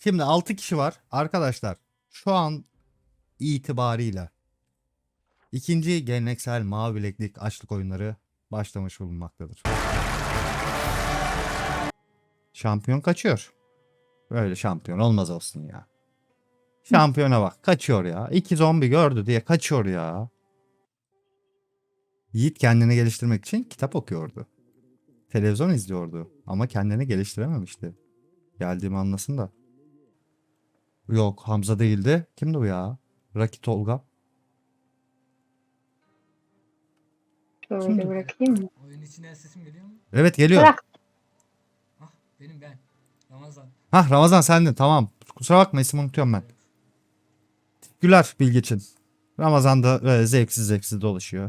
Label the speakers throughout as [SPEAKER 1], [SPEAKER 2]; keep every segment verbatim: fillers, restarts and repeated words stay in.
[SPEAKER 1] Şimdi altı kişi var. Arkadaşlar şu an itibarıyla ikinci geleneksel mavi bileklik açlık oyunları başlamış bulunmaktadır. Şampiyon kaçıyor. Böyle şampiyon olmaz olsun ya. Şampiyona bak kaçıyor ya. İki zombi gördü diye kaçıyor ya. Yiğit kendini geliştirmek için kitap okuyordu. Televizyon izliyordu ama kendini geliştirememişti. Geldiğimi anlasın da. Yok Hamza değildi. Kimdi bu ya? Raki Tolga.
[SPEAKER 2] Şöyle
[SPEAKER 1] Kimdi?
[SPEAKER 2] bırakayım mı?
[SPEAKER 3] Oyun içinden sesim geliyor mu?
[SPEAKER 1] Evet geliyor.
[SPEAKER 2] Bırak.
[SPEAKER 3] Ah benim ben. Ramazan.
[SPEAKER 1] Hah Ramazan sendin tamam. Kusura bakma ismi unutuyorum ben. Güler bilgi için. Ramazan da böyle zevksiz zevksiz dolaşıyor.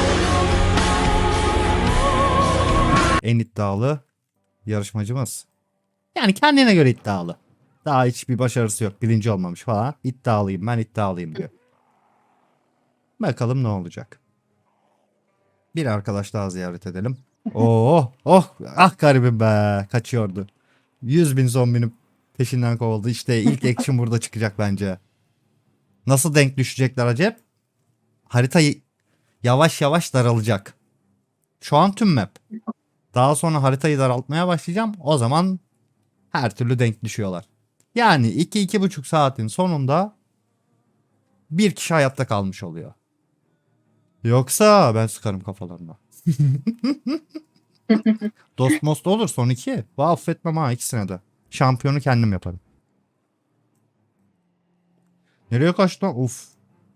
[SPEAKER 1] En iddialı yarışmacımız. Yani kendine göre iddialı. Daha hiçbir başarısı yok. Birinci olmamış falan. İddialıyım ben iddialıyım diyor. Bakalım ne olacak. Bir arkadaş daha ziyaret edelim. Oh oh ah garibim be kaçıyordu. yüz bin zombinin peşinden kovuldu. İşte ilk action burada çıkacak bence. Nasıl denk düşecekler acep? Harita yavaş yavaş daralacak. Şu an tüm map. Daha sonra haritayı daraltmaya başlayacağım. O zaman her türlü denk düşüyorlar. Yani iki iki buçuk saatin sonunda bir kişi hayatta kalmış oluyor. Yoksa ben sıkarım kafalarına. Dost most olur son iki. Vah affetmem ha ikisine de. Şampiyonu kendim yaparım. Nereye kaçtı lan? Uf.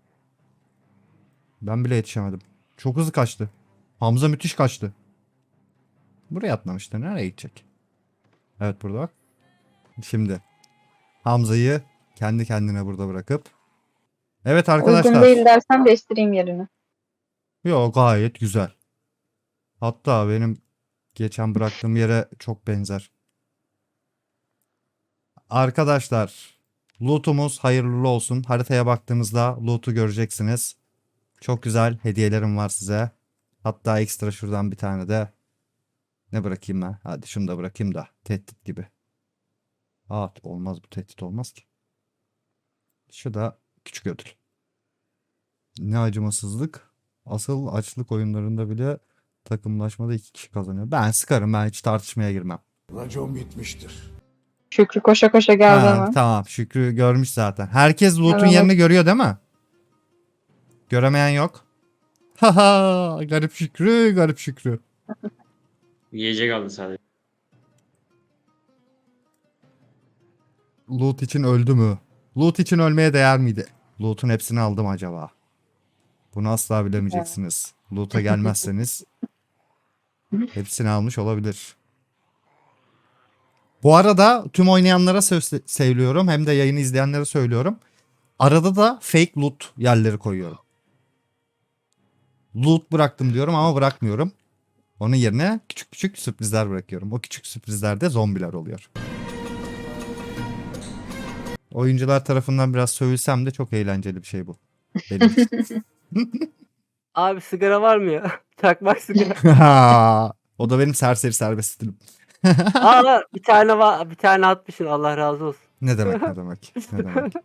[SPEAKER 1] Ben bile yetişemedim. Çok hızlı kaçtı. Hamza müthiş kaçtı. Buraya atlamıştı. Nereye gidecek? Evet burada bak. Şimdi Hamza'yı kendi kendine burada bırakıp. Evet arkadaşlar.
[SPEAKER 2] Uygun değil dersen değiştireyim yerini.
[SPEAKER 1] Yo gayet güzel. Hatta benim geçen bıraktığım yere çok benzer. Arkadaşlar loot'umuz hayırlı olsun. Haritaya baktığınızda loot'u göreceksiniz. Çok güzel hediyelerim var size. Hatta ekstra şuradan bir tane de ne bırakayım ben? Hadi şunu da bırakayım da tehdit gibi. Aa olmaz bu tehdit olmaz ki. Şu da küçük ödül. Ne acımasızlık. Asıl açlık oyunlarında bile takımlaşmada iki kişi kazanıyor. Ben sıkarım ben hiç tartışmaya girmem.
[SPEAKER 4] Racon bitmiştir.
[SPEAKER 2] Şükrü koşa koşa geldi
[SPEAKER 1] Ha,
[SPEAKER 2] hemen.
[SPEAKER 1] tamam Şükrü görmüş zaten. Herkes loot'un
[SPEAKER 2] Evet.
[SPEAKER 1] yerini görüyor değil mi? Göremeyen yok. Haha garip Şükrü garip Şükrü.
[SPEAKER 5] Yiyecek aldı sadece.
[SPEAKER 1] Loot için öldü mü? Loot için ölmeye değer miydi? Loot'un hepsini aldım acaba? Bunu asla bilemeyeceksiniz. Loot'a gelmezseniz hepsini almış olabilir. Bu arada tüm oynayanlara söz- söylüyorum hem de yayını izleyenlere söylüyorum. Arada da fake loot yerleri koyuyorum. Loot bıraktım diyorum ama bırakmıyorum. Onun yerine küçük küçük sürprizler bırakıyorum. O küçük sürprizlerde zombiler oluyor. Oyuncular tarafından biraz sövülsem de çok eğlenceli bir şey bu. Benim için.
[SPEAKER 6] Abi sigara var mı ya? Çakmak sigara.
[SPEAKER 1] O da benim serseri serbest stilim.
[SPEAKER 6] Aa bir tane var, bir tane atmışsın. Allah razı olsun.
[SPEAKER 1] Ne demek ne demek ne demek.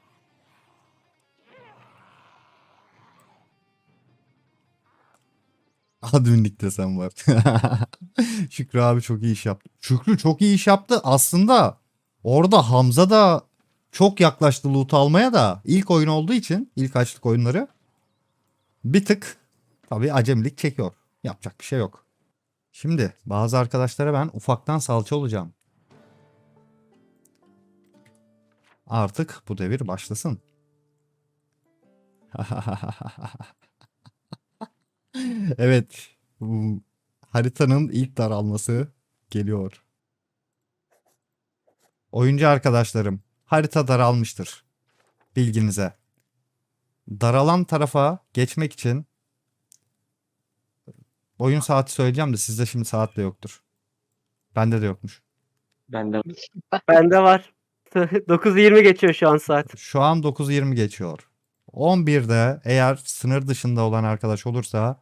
[SPEAKER 1] Adminlik desem var. Şükrü abi çok iyi iş yaptı. Şükrü çok iyi iş yaptı. Aslında orada Hamza da çok yaklaştı loot almaya da ilk oyun olduğu için ilk açlık oyunları bir tık tabii acemilik çekiyor. Yapacak bir şey yok. Şimdi bazı arkadaşlara ben ufaktan salça olacağım. Artık bu devir başlasın. Evet. Bu haritanın ilk daralması geliyor. Oyuncu arkadaşlarım, harita daralmıştır. Bilginize. Daralan tarafa geçmek için oyun saati söyleyeceğim de sizde şimdi saat de yoktur. Bende de yokmuş.
[SPEAKER 5] Ben de
[SPEAKER 6] Bende var. dokuz yirmi geçiyor şu an saat.
[SPEAKER 1] Şu an dokuz yirmi geçiyor. on birde eğer sınır dışında olan arkadaş olursa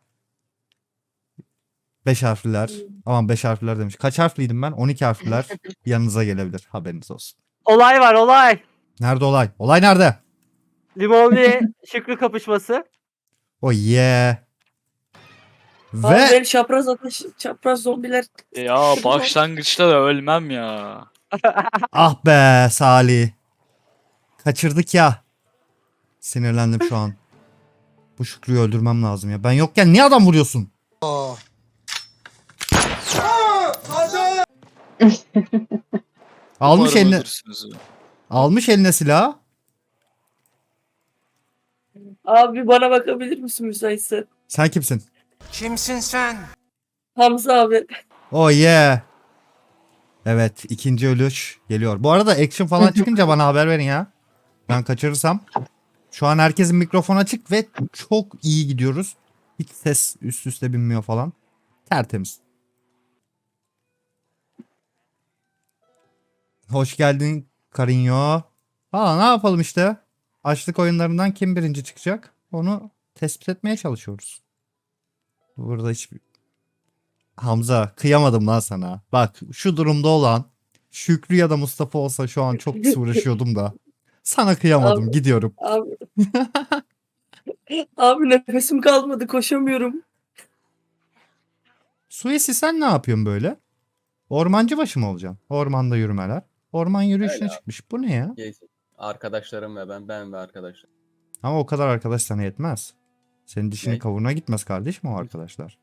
[SPEAKER 1] beş harfliler, aman beş harfliler demiş. Kaç harfliydim ben? on iki harfliler yanınıza gelebilir. Haberiniz olsun.
[SPEAKER 6] olay var olay.
[SPEAKER 1] Nerede olay? Olay nerede?
[SPEAKER 6] Limonlu Şükrü kapışması.
[SPEAKER 1] Oh yeah.
[SPEAKER 7] Abi
[SPEAKER 1] Ve
[SPEAKER 7] benim çapraz ateş, çapraz zombiler.
[SPEAKER 8] Ya başlangıçta da ölmem ya.
[SPEAKER 1] ah be Salih. Kaçırdık ya. Sinirlendim şu an. Bu Şükrü'yü öldürmem lazım ya. Ben yokken niye adam vuruyorsun? Almış
[SPEAKER 8] Umarım
[SPEAKER 1] eline,
[SPEAKER 8] ölürsünüz.
[SPEAKER 1] almış eline silah.
[SPEAKER 7] Abi bana bakabilir misin müsaitse?
[SPEAKER 1] Sen kimsin?
[SPEAKER 4] Kimsin sen?
[SPEAKER 7] Hamza abi.
[SPEAKER 1] Oh yeah. Evet, ikinci ölüş geliyor. Bu arada action falan çıkınca bana haber verin ya. Ben kaçırırsam. Şu an herkesin mikrofonu açık ve çok iyi gidiyoruz. Hiç ses üst üste binmiyor falan. Tertemiz. Hoş geldin Karinyo. Valla ne yapalım işte. Açlık oyunlarından kim birinci çıkacak? Onu tespit etmeye çalışıyoruz. Burada hiçbir... Hamza kıyamadım lan sana. Bak şu durumda olan Şükrü ya da Mustafa olsa şu an çok pis uğraşıyordum da. Sana kıyamadım,
[SPEAKER 7] Abi.
[SPEAKER 1] gidiyorum.
[SPEAKER 7] Abi. Abi nefesim kalmadı, koşamıyorum.
[SPEAKER 1] Suesi sen ne yapıyorsun böyle? Ormancı başı mı olacaksın? Ormanda yürümeler. Orman yürüyüşüne
[SPEAKER 9] Öyle abi.
[SPEAKER 1] çıkmış. Bu ne ya?
[SPEAKER 9] Geç. Arkadaşlarım ve ben, ben ve arkadaşlarım.
[SPEAKER 1] Ama o kadar arkadaş sana yetmez. Senin dişini
[SPEAKER 9] Ne?
[SPEAKER 1] kavuruna gitmez kardeşim o arkadaşlar.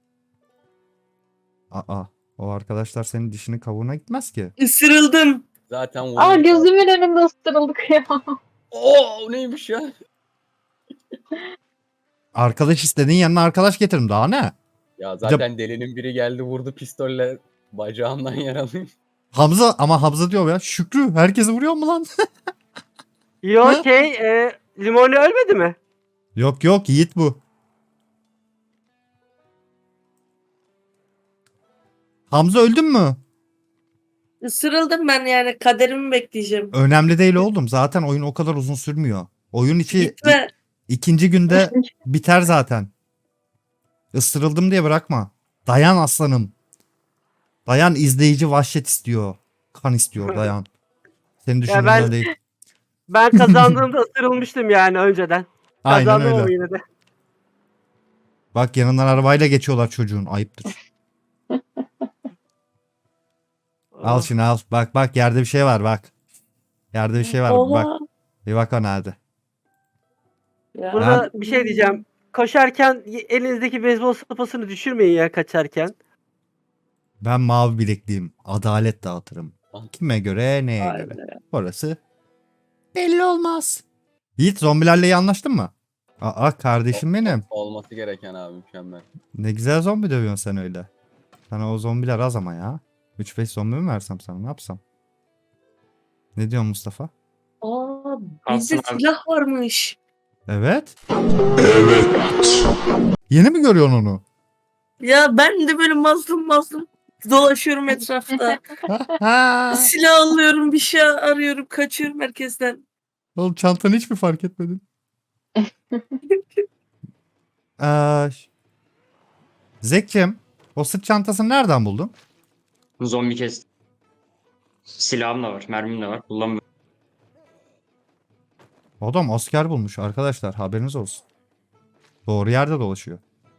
[SPEAKER 1] Aa, o arkadaşlar senin dişini kavuruna gitmez ki.
[SPEAKER 7] Isırıldım.
[SPEAKER 9] Zaten vurdum.
[SPEAKER 2] Aa gözümün önünde ısırıldık ya.
[SPEAKER 9] Oo neymiş ya?
[SPEAKER 1] Arkadaş istediğin yanına arkadaş getirim daha ne?
[SPEAKER 9] Ya zaten delinin biri geldi vurdu pistolle bacağımdan yaralıyım.
[SPEAKER 1] Hamza ama Hamza diyor ya Şükrü herkesi vuruyor mu lan?
[SPEAKER 6] Yo
[SPEAKER 1] Ha?
[SPEAKER 6] şey e, Limonlu ölmedi mi?
[SPEAKER 1] Yok yok Yiğit bu. Hamza öldün mü?
[SPEAKER 7] Isırıldım ben, yani kaderimi bekleyeceğim.
[SPEAKER 1] Önemli değil oğlum. Zaten oyun o kadar uzun sürmüyor. Oyun içi
[SPEAKER 7] Gitme.
[SPEAKER 1] ikinci günde biter zaten. Isırıldım diye bırakma. Dayan aslanım. Dayan, izleyici vahşet istiyor. Kan istiyor dayan. Senin düşündüğün
[SPEAKER 6] ben-
[SPEAKER 1] öyle değil.
[SPEAKER 6] Ben kazandığımda ısırılmıştım yani önceden.
[SPEAKER 1] Aynen
[SPEAKER 6] Kazandım ama
[SPEAKER 1] öyle.
[SPEAKER 6] yine de.
[SPEAKER 1] Bak yanından arabayla geçiyorlar çocuğun. Ayıptır. Al şunu al. Bak bak yerde bir şey var bak. Yerde bir şey var.
[SPEAKER 7] Oha.
[SPEAKER 1] Bak. Bir bak o nerede.
[SPEAKER 7] Ya.
[SPEAKER 6] Burada bir şey diyeceğim. Koşarken elinizdeki beyzbol sopasını düşürmeyin ya kaçarken.
[SPEAKER 1] Ben mavi bilekliyim. Adalet dağıtırım. Kime göre neye
[SPEAKER 7] Vay
[SPEAKER 1] göre.
[SPEAKER 7] be.
[SPEAKER 1] Orası belli olmaz. Yiğit zombilerle iyi anlaştın mı? Aa kardeşim benim.
[SPEAKER 9] Olması gereken abi mükemmel.
[SPEAKER 1] Ne güzel zombi dövüyorsun sen öyle. Sana o zombiler az ama ya. üç beş zombi mi versem sana ne yapsam? Ne diyorsun Mustafa?
[SPEAKER 7] Aa,
[SPEAKER 5] Alsın
[SPEAKER 7] bizde
[SPEAKER 5] abi.
[SPEAKER 7] silah varmış.
[SPEAKER 1] Evet. Evet. Yeni mi görüyorsun onu?
[SPEAKER 7] Ya ben de böyle mazlum mazlum dolaşıyorum etrafta. Silah alıyorum, bir şey arıyorum, kaçıyorum herkesten.
[SPEAKER 1] Oğlum çantanı hiç mi fark etmedin? Ee, ş- Zekcim, o sırt çantasını nereden buldun?
[SPEAKER 5] Zombi kestim. Silahım da var, mermim de var. Kullanmıyorum.
[SPEAKER 1] Adam asker bulmuş arkadaşlar, haberiniz olsun. Doğru yerde dolaşıyor.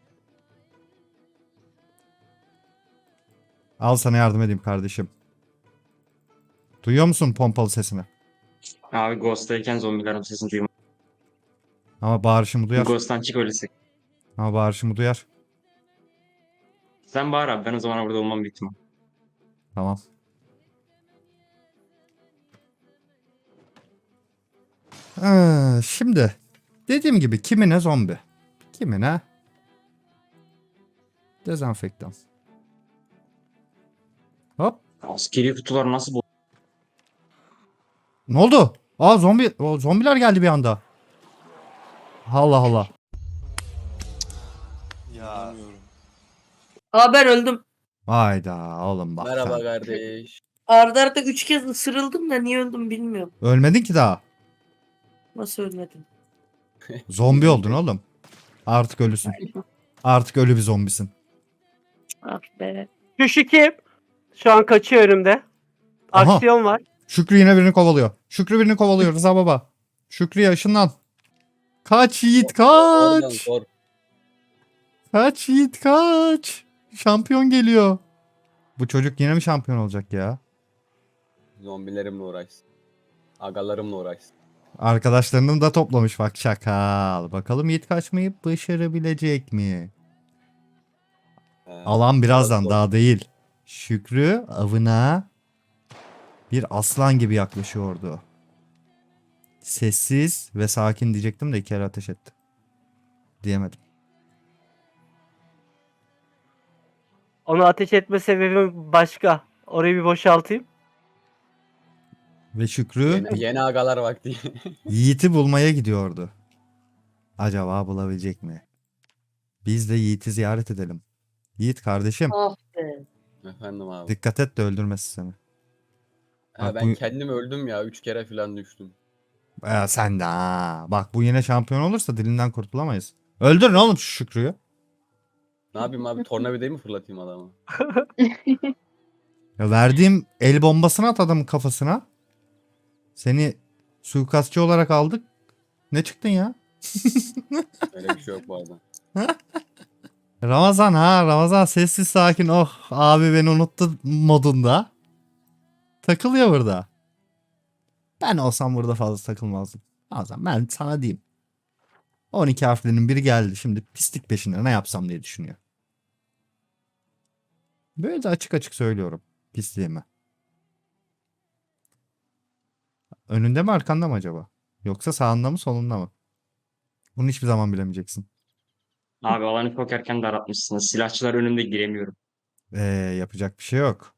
[SPEAKER 1] Al sana yardım edeyim kardeşim. Duyuyor musun pompalı sesini?
[SPEAKER 5] Abi Ghost'tayken zombilerin sesini duyuyorum.
[SPEAKER 1] Ama bağırışımı duyar.
[SPEAKER 5] Ghost'tan çık öylesi.
[SPEAKER 1] Ama bağırışımı duyar.
[SPEAKER 5] Sen bağır abi, ben o zaman burada olmam büyük ihtimal.
[SPEAKER 1] Tamam. Ee, şimdi dediğim gibi kimine zombi, kimine dezenfektan. Hop.
[SPEAKER 5] Askeri kutular nasıl bu?
[SPEAKER 1] Ne oldu? Aa zombi, o, zombiler geldi bir anda. Allah Allah.
[SPEAKER 7] Aa ben öldüm.
[SPEAKER 1] Hayda oğlum bak.
[SPEAKER 9] Merhaba
[SPEAKER 1] sen.
[SPEAKER 9] kardeş.
[SPEAKER 7] Arda arda üç kez ısırıldım da niye öldüm bilmiyorum.
[SPEAKER 1] Ölmedin ki daha.
[SPEAKER 7] Nasıl ölmedim?
[SPEAKER 1] Zombi oldun oğlum. Artık ölüsün. Artık ölü bir zombisin.
[SPEAKER 7] Ah be.
[SPEAKER 6] Şu şu kim? Şu an kaçıyor önümde.
[SPEAKER 1] Aha.
[SPEAKER 6] Aksiyon var.
[SPEAKER 1] Şükrü yine birini kovalıyor. Şükrü birini kovalıyor Rıza baba. Şükrü'ye ışınlan. Kaç Yiğit
[SPEAKER 9] Oradan
[SPEAKER 1] kaç.
[SPEAKER 9] sor.
[SPEAKER 1] Kaç Yiğit kaç. Şampiyon geliyor. Bu çocuk yine mi şampiyon olacak ya?
[SPEAKER 9] Zombilerimle uğraşsın. Agalarımla uğraşsın.
[SPEAKER 1] Arkadaşlarını da toplamış bak şakal. Bakalım Yiğit kaçmayı başarabilecek mi?
[SPEAKER 9] He,
[SPEAKER 1] Alan birazdan
[SPEAKER 9] zor.
[SPEAKER 1] daha değil. Şükrü avına bir aslan gibi yaklaşıyordu. Sessiz ve sakin diyecektim de iki kere ateş etti. Diyemedim.
[SPEAKER 6] Onu ateş etme sebebim başka. Orayı bir boşaltayım.
[SPEAKER 1] Ve Şükrü
[SPEAKER 9] Yeni, yeni agalar vakti.
[SPEAKER 1] Yiğit'i bulmaya gidiyordu. Acaba bulabilecek mi? Biz de Yiğit'i ziyaret edelim. Yiğit kardeşim
[SPEAKER 2] Ah be.
[SPEAKER 9] Efendim abi.
[SPEAKER 1] dikkat et de öldürmesin seni.
[SPEAKER 9] Ha,
[SPEAKER 1] Bak
[SPEAKER 9] ben
[SPEAKER 1] bu-
[SPEAKER 9] kendim öldüm ya. Üç kere falan düştüm.
[SPEAKER 1] Ee, sen de ha. Bak bu yine şampiyon olursa dilinden kurtulamayız. Öldürün oğlum şu Şükrü'yü.
[SPEAKER 9] Ne yapayım abi? Tornavidayı mı fırlatayım adamı?
[SPEAKER 1] Ya verdiğim el bombasını at adamın kafasına. Seni suikastçı olarak aldık. Ne çıktın ya?
[SPEAKER 9] Öyle bir şey yok bu arada.
[SPEAKER 1] Ramazan ha Ramazan sessiz sakin oh abi beni unuttu modunda. Takılıyor burada. Ben olsam burada fazla takılmazdım. Ramazan ben sana diyeyim. on iki harflinin biri geldi şimdi pislik peşinde ne yapsam diye düşünüyor. Böyle de açık açık söylüyorum pisliğimi. Önünde mi arkanda mı acaba? Yoksa sağında mı solunda mı? Bunu hiçbir zaman bilemeyeceksin.
[SPEAKER 5] Abi alanı çok erken daraltmışsınız. Silahçılar önümde giremiyorum.
[SPEAKER 1] Ee, yapacak bir şey yok.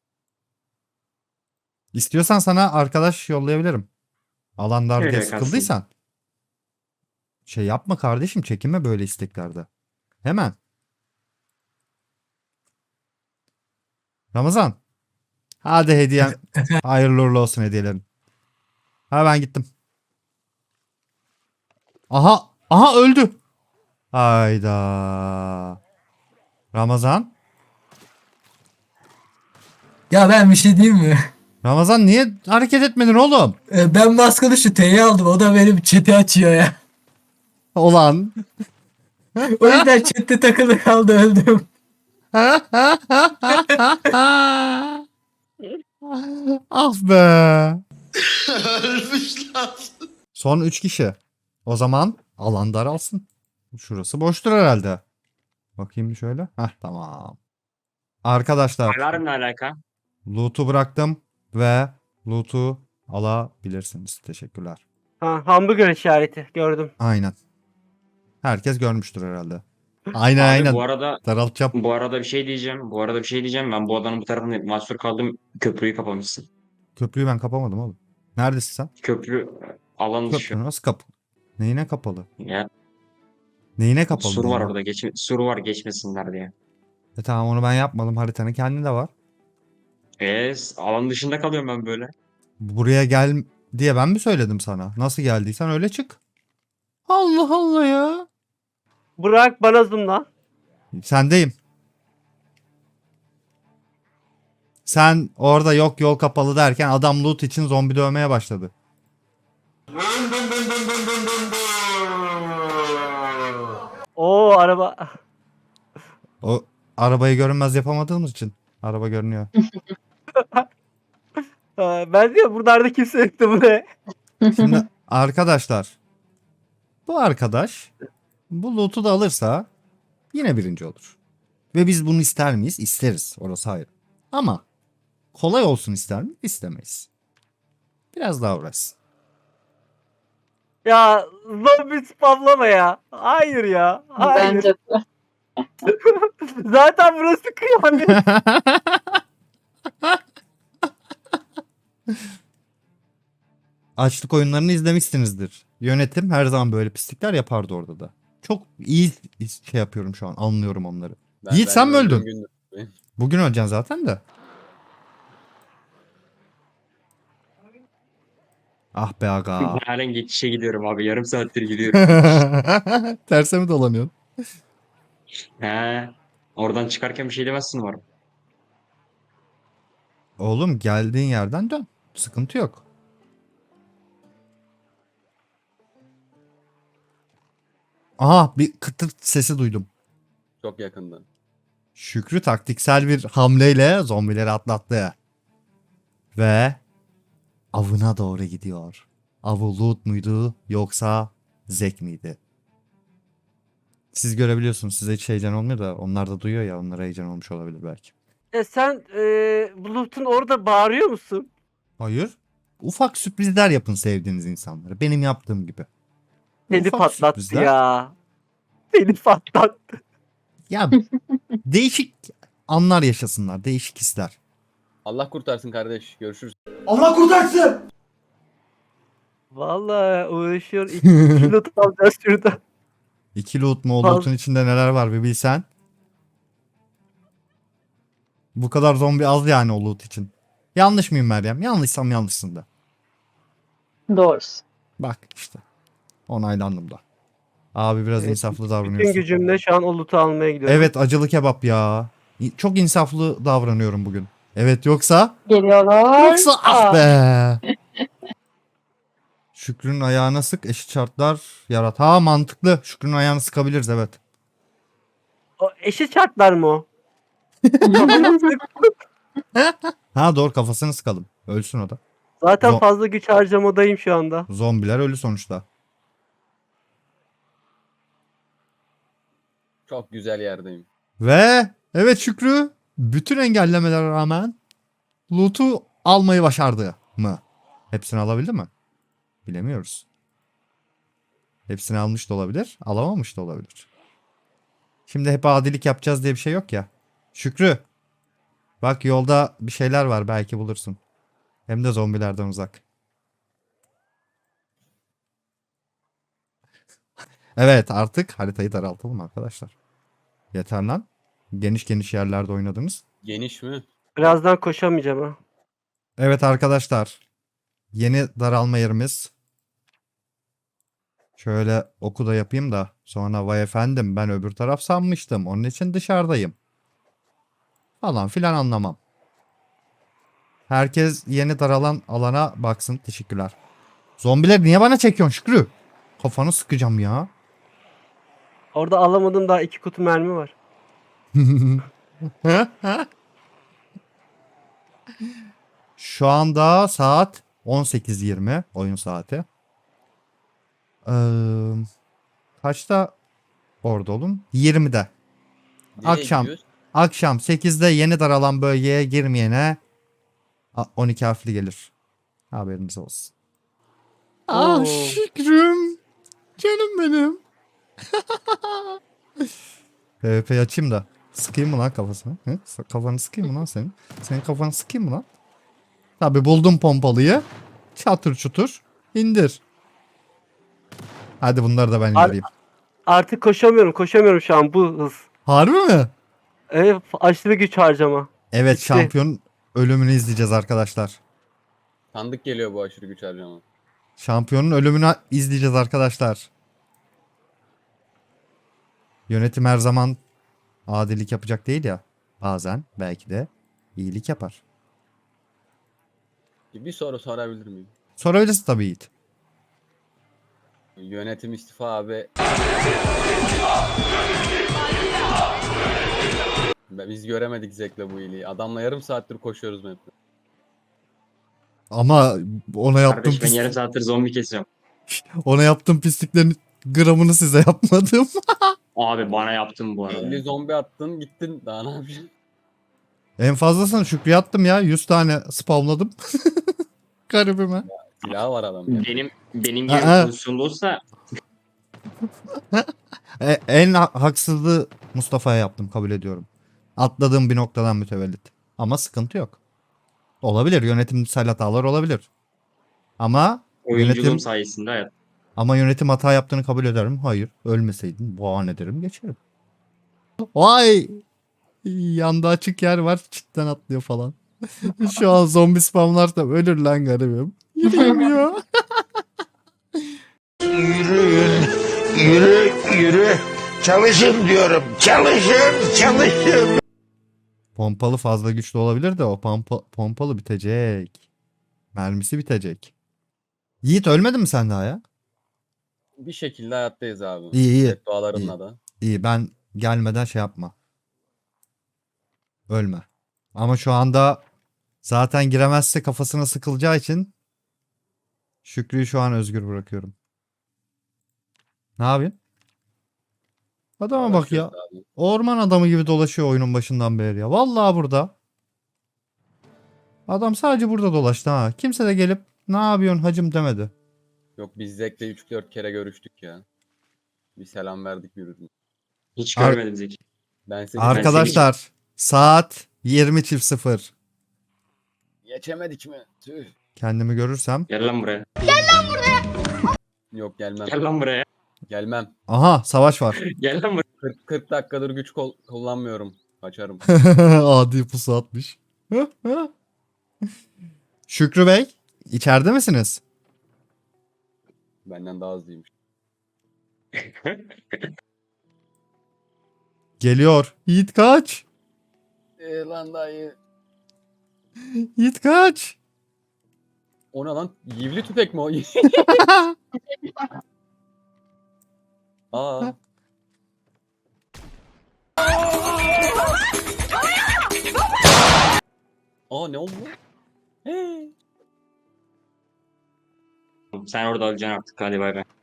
[SPEAKER 1] İstiyorsan sana arkadaş yollayabilirim. Alan dar diye
[SPEAKER 5] Öyle kalsın.
[SPEAKER 1] sıkıldıysan. Şey yapma kardeşim çekinme böyle isteklerde. Hemen. Ramazan. Hadi hediyen. Hayırlı uğurlu olsun hediyelerin. Ha ben gittim. Aha. Aha öldü. Hayda. Ramazan.
[SPEAKER 10] Ya ben bir şey diyeyim mi?
[SPEAKER 1] Ramazan niye hareket etmedin oğlum?
[SPEAKER 10] Ee, Ben maskını şu T'yi aldım. O da benim chat'i açıyor ya.
[SPEAKER 1] Olan.
[SPEAKER 10] O yüzden chat'te takılı kaldı öldüm.
[SPEAKER 1] Ah be. Son üç kişi. O zaman alan daralsın. Şurası boştur herhalde. Bakayım bir şöyle. Heh tamam. Arkadaşlar
[SPEAKER 5] Alarm ne alaka?
[SPEAKER 1] loot'u bıraktım ve loot'u alabilirsiniz. Teşekkürler.
[SPEAKER 6] Ha, hamburger işareti gördüm.
[SPEAKER 1] Aynen. Herkes görmüştür herhalde. Aynen
[SPEAKER 5] Abi
[SPEAKER 1] aynen.
[SPEAKER 5] bu arada
[SPEAKER 1] Daraltacağım.
[SPEAKER 5] bu arada bir şey diyeceğim. Bu arada bir şey diyeceğim. Ben bu adanın bu tarafında mahsur kaldım. Köprüyü kapamışsın.
[SPEAKER 1] Köprüyü ben kapamadım oğlum. Neredesin sen?
[SPEAKER 5] Köprü alan dışı.
[SPEAKER 1] Köprü nasıl kapalı? Neyine kapalı?
[SPEAKER 5] Ya
[SPEAKER 1] Neyine kapalı?
[SPEAKER 5] sur var
[SPEAKER 1] neyine?
[SPEAKER 5] orada. Geçme, sur var geçmesinler diye.
[SPEAKER 1] E tamam onu ben yapmadım. Haritanın kendinde var.
[SPEAKER 5] Eee alan dışında kalıyorum ben böyle.
[SPEAKER 1] Buraya gel diye ben mi söyledim sana? Nasıl geldiysen öyle çık. Allah Allah ya.
[SPEAKER 6] Burak bana zoomla.
[SPEAKER 1] Sendeyim. Sen orada yok yol kapalı derken adam loot için zombi dövmeye başladı.
[SPEAKER 6] Oo araba.
[SPEAKER 1] O arabayı görünmez yapamadığımız için. Araba görünüyor.
[SPEAKER 6] Ha, ben diyor buralarda kimse yoktu bu ne?
[SPEAKER 1] Şimdi arkadaşlar. Bu arkadaş bu loot'u da alırsa yine birinci olur. Ve biz bunu ister miyiz? İsteriz. Orası hayır. Ama kolay olsun ister miyiz? İstemeyiz. Biraz daha uğraşsın.
[SPEAKER 6] Ya zombi spamlama ya. Hayır ya. Hayır.
[SPEAKER 2] Bence de.
[SPEAKER 6] Zaten burası kıyamet.
[SPEAKER 1] Açlık oyunlarını izlemişsinizdir. Yönetim her zaman böyle pislikler yapardı orada da. Çok iyi şey yapıyorum şu an. Anlıyorum onları.
[SPEAKER 9] Ben-
[SPEAKER 1] Yiğit,
[SPEAKER 9] ben
[SPEAKER 1] sen mi
[SPEAKER 9] öldüğüm
[SPEAKER 1] öldün?
[SPEAKER 9] gündür.
[SPEAKER 1] Bugün öleceksin zaten de. Ah be aga.
[SPEAKER 5] Ben halen geçişe gidiyorum abi. Yarım saattir gidiyorum.
[SPEAKER 1] Terse mi dolanıyorsun?
[SPEAKER 5] He. Oradan çıkarken bir şey demezsin umarım.
[SPEAKER 1] Oğlum geldiğin yerden dön. Sıkıntı yok. Aha, bir kıtırt sesi duydum.
[SPEAKER 9] Çok yakından.
[SPEAKER 1] Şükrü taktiksel bir hamleyle zombileri atlattı. Ve avına doğru gidiyor. Avı Loot muydu yoksa Zek miydi? Siz görebiliyorsunuz. Size hiç heyecan olmuyor da onlar da duyuyor ya, onlara heyecan olmuş olabilir belki.
[SPEAKER 6] E sen e, Bulut'un orada bağırıyor musun?
[SPEAKER 1] Hayır. Ufak sürprizler yapın sevdiğiniz insanlara. Benim yaptığım gibi.
[SPEAKER 6] Seni
[SPEAKER 1] Ufak
[SPEAKER 6] patlattı
[SPEAKER 1] sürprizler.
[SPEAKER 6] ya. Seni patlattı.
[SPEAKER 1] Ya değişik anlar yaşasınlar. Değişik hisler.
[SPEAKER 9] Allah kurtarsın kardeş. Görüşürüz.
[SPEAKER 4] Allah kurtarsın!
[SPEAKER 6] Vallahi uğraşıyor. İki kilo alacağız şurada.
[SPEAKER 1] İki loot mu? O
[SPEAKER 6] Faz-
[SPEAKER 1] loot'un içinde neler var bir bilsen. Bu kadar zombi az yani o loot için. Yanlış mıyım Meryem? Yanlışsam yanlışsın da.
[SPEAKER 2] Doğrusu.
[SPEAKER 1] Bak işte. Onaylandım da. Abi biraz
[SPEAKER 6] Evet,
[SPEAKER 1] insaflı
[SPEAKER 6] Bütün
[SPEAKER 1] davranıyorsun.
[SPEAKER 6] gücümle şu an o loot'u almaya gidiyorum.
[SPEAKER 1] Evet, acılı kebap ya. İ- Çok insaflı davranıyorum bugün. Evet, yoksa
[SPEAKER 2] Geliyorlar.
[SPEAKER 1] yoksa ah
[SPEAKER 2] Aa,
[SPEAKER 1] be. Şükrü'nün ayağına sık, eşit şartlar yarat. Ha, mantıklı. Şükrü'nün ayağını sıkabiliriz, evet.
[SPEAKER 6] O eşit şartlar mı o? Kafamı sık-
[SPEAKER 1] Ha doğru, kafasını sıkalım. Ölsün o da.
[SPEAKER 6] Zaten
[SPEAKER 1] Zo-
[SPEAKER 6] fazla güç harcamadayım şu anda.
[SPEAKER 1] Zombiler ölü sonuçta.
[SPEAKER 9] Çok güzel yerdeyim.
[SPEAKER 1] Ve evet Şükrü bütün engellemelere rağmen loot'u almayı başardı mı? Hepsini alabildi mi? Bilemiyoruz. Hepsini almış da olabilir, alamamış da olabilir. Şimdi hep adilik yapacağız diye bir şey yok ya. Şükrü, bak yolda bir şeyler var, belki bulursun. Hem de zombilerden uzak. Evet, artık haritayı daraltalım arkadaşlar. Yeter lan. Geniş geniş yerlerde oynadınız.
[SPEAKER 9] Geniş mi?
[SPEAKER 6] Birazdan koşamayacağım ha.
[SPEAKER 1] Evet arkadaşlar. Yeni daralma yerimiz. Şöyle oku da yapayım da sonra vay efendim ben öbür taraf sanmıştım. Onun için dışarıdayım. Falan filan anlamam. Herkes yeni daralan alana baksın. Teşekkürler. Zombiler niye bana çekiyorsun Şükrü? Kafanı sıkacağım ya.
[SPEAKER 6] Orada alamadığım daha iki kutu mermi var.
[SPEAKER 1] Şu anda saat on sekiz yirmi oyun saati. Ee, kaçta orada olun? yirmide.
[SPEAKER 9] Nereye
[SPEAKER 1] Akşam.
[SPEAKER 9] gidiyoruz?
[SPEAKER 1] Akşam sekizde yeni daralan bölgeye girmeyene a- on iki harfli gelir. Haberiniz olsun. Ah
[SPEAKER 6] Oo.
[SPEAKER 1] Şükrüm. Canım benim. PvP açayım da. Sıkayım mı lan kafasını? Hı? S- Kafanı sıkayım mı lan senin? Senin kafanı sıkayım mı lan? Tabi buldum pompalıyı. Çatır çutur. İndir. Hadi bunları da ben
[SPEAKER 6] Ar-
[SPEAKER 1] indireyim.
[SPEAKER 6] Artık koşamıyorum. Koşamıyorum şu an bu hız.
[SPEAKER 1] Harbi mi?
[SPEAKER 6] Evet, aşırı güç harcama.
[SPEAKER 1] Evet,
[SPEAKER 6] Bitti.
[SPEAKER 1] şampiyon ölümünü izleyeceğiz arkadaşlar.
[SPEAKER 9] Tanıdık geliyor bu aşırı güç harcama.
[SPEAKER 1] Şampiyonun ölümünü izleyeceğiz arkadaşlar. Yönetim her zaman adilik yapacak değil ya. Bazen belki de iyilik yapar.
[SPEAKER 9] Bir soru sorabilir miyim?
[SPEAKER 1] Sorabilirsin tabii Yiğit.
[SPEAKER 9] Yönetim istifa abi. Be- Biz göremedik Zek'le bu iyiliği. Adamla yarım saattir koşuyoruz map'te.
[SPEAKER 1] Ama ona yaptığım
[SPEAKER 5] Kardeş ben
[SPEAKER 1] pis-
[SPEAKER 5] yarım saattir zombi kesiyorum.
[SPEAKER 1] ona yaptığım pisliklerin gramını size yapmadım.
[SPEAKER 5] Abi bana yaptın bu arada.
[SPEAKER 9] elli zombi attın gittin. Daha ne yapacaksın?
[SPEAKER 1] En fazlasını Şükrü'ye attım ya. yüz tane spamladım. Garibime.
[SPEAKER 9] Silahı var adam ya.
[SPEAKER 5] Benim benim gibi
[SPEAKER 1] Aa.
[SPEAKER 5] pozisyonda olsa
[SPEAKER 1] E, en ha- haksızlığı Mustafa'ya yaptım, kabul ediyorum. Atladığım bir noktadan mütevellit. Ama sıkıntı yok. Olabilir. Yönetimsel hatalar olabilir. Ama
[SPEAKER 5] oyunculuğum
[SPEAKER 1] yönetim
[SPEAKER 5] sayesinde hayat.
[SPEAKER 1] ama yönetim hata yaptığını kabul ederim. Hayır. Ölmeseydin bahane ederim geçerim. Vay! Yanda açık yer var. Çitten atlıyor falan. Şu an zombi spamlarsam ölür lan garibim. Yürüyeyim ya.
[SPEAKER 4] Yürüyün, yürü, yürü. Çalışın diyorum, çalışın, çalışın.
[SPEAKER 1] Pompalı fazla güçlü olabilir de o pompa, pompalı bitecek. Mermisi bitecek. Yiğit ölmedin mi sen daha ya?
[SPEAKER 9] Bir şekilde hayattayız abi.
[SPEAKER 1] İyi iyi.
[SPEAKER 9] Beddualarınla da.
[SPEAKER 1] İyi ben gelmeden şey yapma. Ölme. Ama şu anda zaten giremezse kafasına sıkılacağı için Şükrü'yü şu an özgür bırakıyorum. Ne yapayım? Adama bak ya.
[SPEAKER 9] Uğraşıyoruz abi.
[SPEAKER 1] Orman adamı gibi dolaşıyor oyunun başından beri ya. Vallahi burada. Adam sadece burada dolaştı ha. Kimse de gelip ne yapıyorsun hacım demedi.
[SPEAKER 9] Yok biz Zek'le üç dört kere görüştük ya. Bir selam verdik birbirine.
[SPEAKER 5] Hiç
[SPEAKER 1] Ar-
[SPEAKER 5] görmedim Zeki.
[SPEAKER 9] Ben seni
[SPEAKER 1] Arkadaşlar saat yirmi çift sıfır.
[SPEAKER 9] geçemedik mi? Tüh.
[SPEAKER 1] Kendimi görürsem.
[SPEAKER 5] Gel lan buraya.
[SPEAKER 9] Yok gelmem.
[SPEAKER 5] Gel lan buraya.
[SPEAKER 9] Gelmem.
[SPEAKER 1] Aha savaş var.
[SPEAKER 5] Gel lan buraya.
[SPEAKER 9] kırk, kırk dakikadır güç kol- kullanmıyorum. Kaçarım.
[SPEAKER 1] Adi pusu atmış. Şükrü Bey içeride misiniz?
[SPEAKER 9] Benden daha hızlıymış.
[SPEAKER 1] Geliyor. Yiğit kaç.
[SPEAKER 9] Eee lan dayı.
[SPEAKER 1] Yiğit kaç.
[SPEAKER 9] O ne lan? Yivli tüfek mi o? Aa. Aa ne oldu? Hey.
[SPEAKER 5] Sen orada öleceksin artık. Hadi bay bay.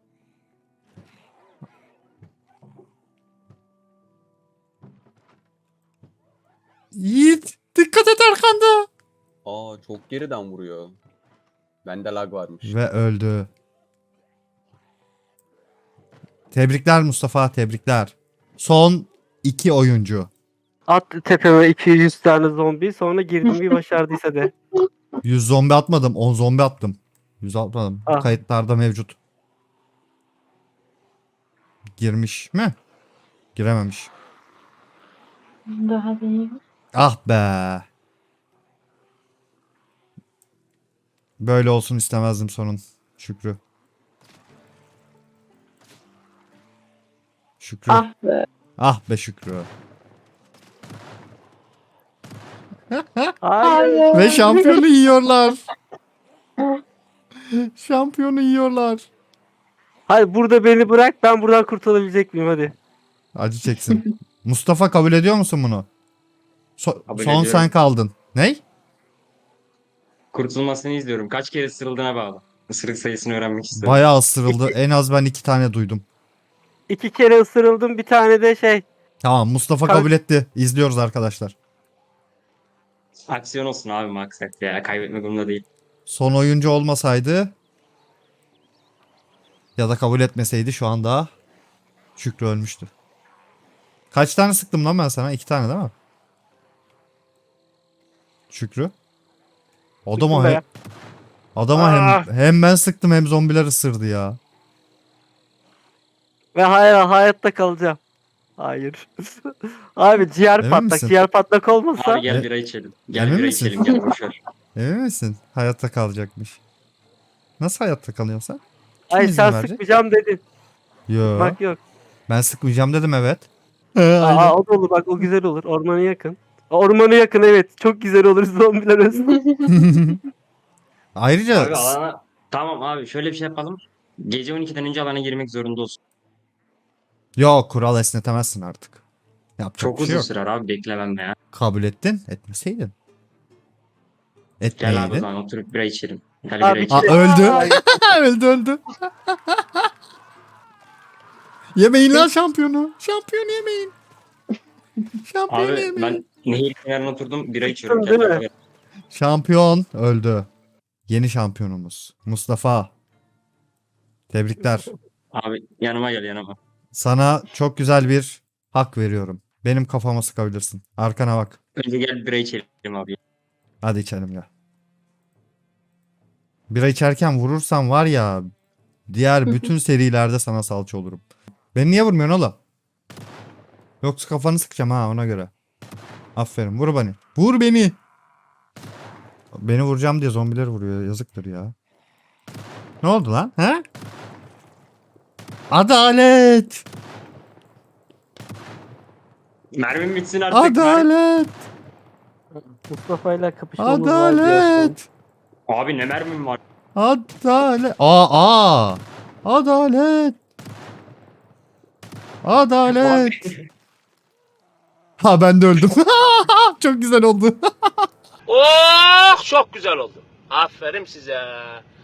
[SPEAKER 1] Yiğit dikkat et arkanda.
[SPEAKER 9] Aa çok geriden vuruyor. Bende lag varmış.
[SPEAKER 1] Ve öldü. Tebrikler Mustafa, tebrikler. Son iki oyuncu.
[SPEAKER 6] At tepeme iki yüz tane zombi sonra girdim bir başardıysa de.
[SPEAKER 1] yüz zombi atmadım, on zombi attım. yüz atmadım.
[SPEAKER 6] Ah.
[SPEAKER 1] Kayıtlarda mevcut. Girmiş mi? Girememiş.
[SPEAKER 2] Daha değil.
[SPEAKER 1] Ah be. Böyle olsun istemezdim sonun. Şükrü. Şükrü. Ah,
[SPEAKER 2] Ah be.
[SPEAKER 1] be Şükrü.
[SPEAKER 6] Hayır.
[SPEAKER 1] Ve şampiyonu yiyorlar. Şampiyonu yiyorlar.
[SPEAKER 6] Hadi burada beni bırak ben buradan kurtulabilecek miyim hadi.
[SPEAKER 1] Acı çeksin. Mustafa kabul ediyor musun bunu? So-
[SPEAKER 5] Kabul
[SPEAKER 1] son sen
[SPEAKER 5] ediyorum.
[SPEAKER 1] kaldın. Ney?
[SPEAKER 5] Kurtulmasını izliyorum. Kaç kere ısırıldığına bağlı. Isırık sayısını öğrenmek istiyorum.
[SPEAKER 1] Bayağı ısırıldı. En az ben iki tane duydum.
[SPEAKER 6] İki kere ısırıldım bir tane de şey.
[SPEAKER 1] Tamam Mustafa
[SPEAKER 6] Kalk.
[SPEAKER 1] kabul etti. İzliyoruz arkadaşlar.
[SPEAKER 5] Aksiyon olsun abi maksat ya. Kaybetmek umurumda değil.
[SPEAKER 1] Son oyuncu olmasaydı ya da kabul etmeseydi şu anda Şükrü ölmüştü. Kaç tane sıktım lan ben sana? İki tane değil mi? Şükrü. Adama
[SPEAKER 6] Sıktım be
[SPEAKER 1] hem,
[SPEAKER 6] ya.
[SPEAKER 1] adama hem,
[SPEAKER 6] Ah.
[SPEAKER 1] hem ben sıktım hem zombiler ısırdı ya.
[SPEAKER 6] Ve hayır hayatta kalacağım. Hayır. Abi ciğer
[SPEAKER 1] Emin
[SPEAKER 6] patlak.
[SPEAKER 1] misin?
[SPEAKER 6] Ciğer patlak olmasa.
[SPEAKER 5] Abi gel
[SPEAKER 1] E-
[SPEAKER 5] bira içelim. Gel
[SPEAKER 1] Emin
[SPEAKER 5] bira
[SPEAKER 1] misin?
[SPEAKER 5] içelim. Gel boşver.
[SPEAKER 1] Emin misin? Hayatta kalacakmış. Nasıl hayatta kalıyorsun sen? Kim
[SPEAKER 6] Ay
[SPEAKER 1] izin
[SPEAKER 6] sen
[SPEAKER 1] verecek?
[SPEAKER 6] sıkmayacağım dedin.
[SPEAKER 1] Yo.
[SPEAKER 6] Bak yok.
[SPEAKER 1] Ben sıkmayacağım dedim evet.
[SPEAKER 6] Aa, o da olur bak o güzel olur. Ormana yakın. Ormana yakın evet. Çok güzel olur zombiler ölsün.
[SPEAKER 1] Ayrıca
[SPEAKER 5] Abi alana... Tamam abi şöyle bir şey yapalım. Gece on ikiden önce alana girmek zorunda olsun.
[SPEAKER 1] yok kural esnetemezsin artık. Yapacak
[SPEAKER 5] Çok
[SPEAKER 1] bir şey
[SPEAKER 5] uzun
[SPEAKER 1] yok.
[SPEAKER 5] sürer abi beklemem ya.
[SPEAKER 1] Kabul ettin, etmeseydin.
[SPEAKER 5] Gel abi o
[SPEAKER 1] Etmeyeydin.
[SPEAKER 5] zaman oturup bira içelim. Gel
[SPEAKER 6] Abi
[SPEAKER 5] bira
[SPEAKER 1] Aa,
[SPEAKER 5] içelim.
[SPEAKER 1] öldü.
[SPEAKER 6] Ay.
[SPEAKER 1] öldü öldü. Yemeyin lan şampiyonu. Şampiyon yemeyin. Şampiyon
[SPEAKER 5] Abi
[SPEAKER 1] yemeyin.
[SPEAKER 5] ben nehir kenarına oturdum bira içiyorum.
[SPEAKER 6] değil mi?
[SPEAKER 5] Kendime.
[SPEAKER 1] Şampiyon öldü. Yeni şampiyonumuz Mustafa. Tebrikler.
[SPEAKER 5] Abi yanıma gel yanıma.
[SPEAKER 1] Sana çok güzel bir hak veriyorum. Benim kafama sıkabilirsin. Arkana bak.
[SPEAKER 5] Önce gel bira içelim abi.
[SPEAKER 1] Hadi içelim ya. Bira içerken vurursan var ya diğer bütün serilerde sana salça olurum. Beni niye vurmuyorsun oğlum? Yoksa kafanı sıkacağım ha ona göre. Aferin vur beni. Vur beni. Beni vuracağım diye zombiler vuruyor. Yazıktır ya. Ne oldu lan? He? Adalet.
[SPEAKER 5] Mermim bitsin artık. Mermim-
[SPEAKER 1] Adalet.
[SPEAKER 6] Mustafa ile kapışmamız var diyor.
[SPEAKER 1] Adalet.
[SPEAKER 5] Abi ne mermim var?
[SPEAKER 1] Adalet. Aa, aa. Adalet. Adalet. Ha ben de öldüm. Çok güzel oldu.
[SPEAKER 4] Oh çok güzel oldu. Aferin size.